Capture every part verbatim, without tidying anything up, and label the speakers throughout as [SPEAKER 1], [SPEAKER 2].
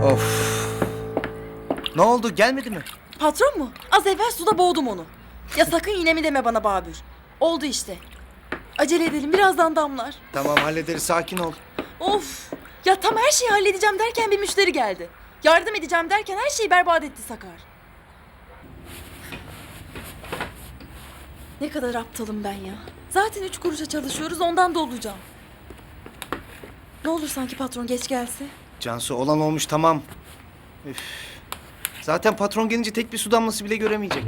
[SPEAKER 1] Of. Ne oldu, gelmedi mi?
[SPEAKER 2] Patron mu? Az evvel suda boğdum onu. Ya sakın yine mi deme bana Babür. Oldu işte. Acele edelim, birazdan damlar.
[SPEAKER 1] Tamam, hallederiz, sakin ol.
[SPEAKER 2] Of! Ya tam her şeyi halledeceğim derken bir müşteri geldi. Yardım edeceğim derken her şeyi berbat etti Sakar. Ne kadar aptalım ben ya. Zaten üç kuruşa çalışıyoruz, ondan da olacağım. Ne olur sanki patron geç gelse.
[SPEAKER 1] Cansu, olan olmuş, tamam. Üf. Zaten patron gelince tek bir su damlası bile göremeyecek.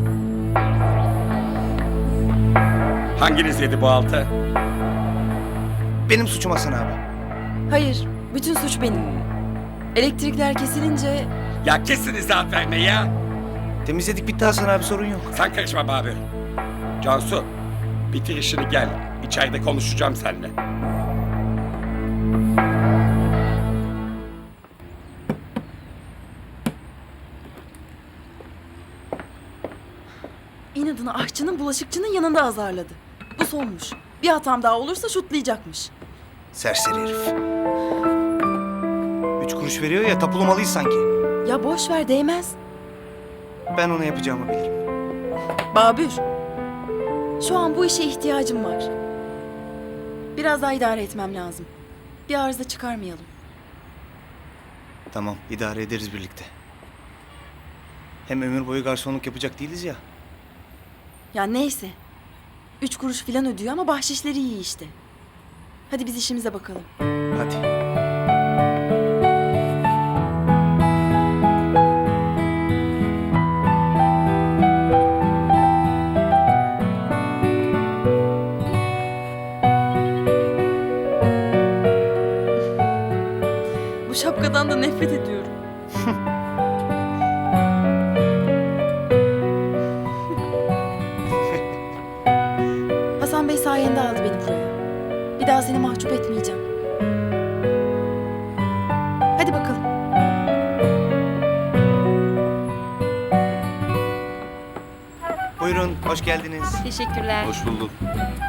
[SPEAKER 3] Hanginiz yedi bu altı?
[SPEAKER 1] Benim suçum Hasan abi.
[SPEAKER 2] Hayır, bütün suç benim. Elektrikler kesilince...
[SPEAKER 3] Ya kesin izahat verme ya.
[SPEAKER 1] Temizledik, bitti Hasan abi, sorun yok.
[SPEAKER 3] Sen karışma Babür. Cansu, bitir işini gel. İçeride konuşacağım seninle.
[SPEAKER 2] İnadına aşçının bulaşıkçının yanında azarladı. Bu sonmuş. Bir hatam daha olursa şutlayacakmış.
[SPEAKER 1] Serseri herif. Üç kuruş veriyor ya, tapulamalıyız sanki.
[SPEAKER 2] Ya boş ver, değmez.
[SPEAKER 1] Ben ona yapacağımı bilirim.
[SPEAKER 2] Babür, şu an bu işe ihtiyacım var. Biraz daha idare etmem lazım. Bir arıza çıkarmayalım.
[SPEAKER 1] Tamam, idare ederiz birlikte. Hem ömür boyu garsonluk yapacak değiliz ya.
[SPEAKER 2] Ya neyse. Üç kuruş filan ödüyor ama bahşişleri iyi işte. Hadi biz işimize bakalım.
[SPEAKER 1] Hadi.
[SPEAKER 2] Bu şapkadan da nefret ediyorum. Hasan Bey sayende aldı beni buraya. Bir daha seni mahcup etmeyeceğim. Hadi bakalım.
[SPEAKER 1] Buyurun, hoş geldiniz.
[SPEAKER 4] Teşekkürler.
[SPEAKER 5] Hoş bulduk.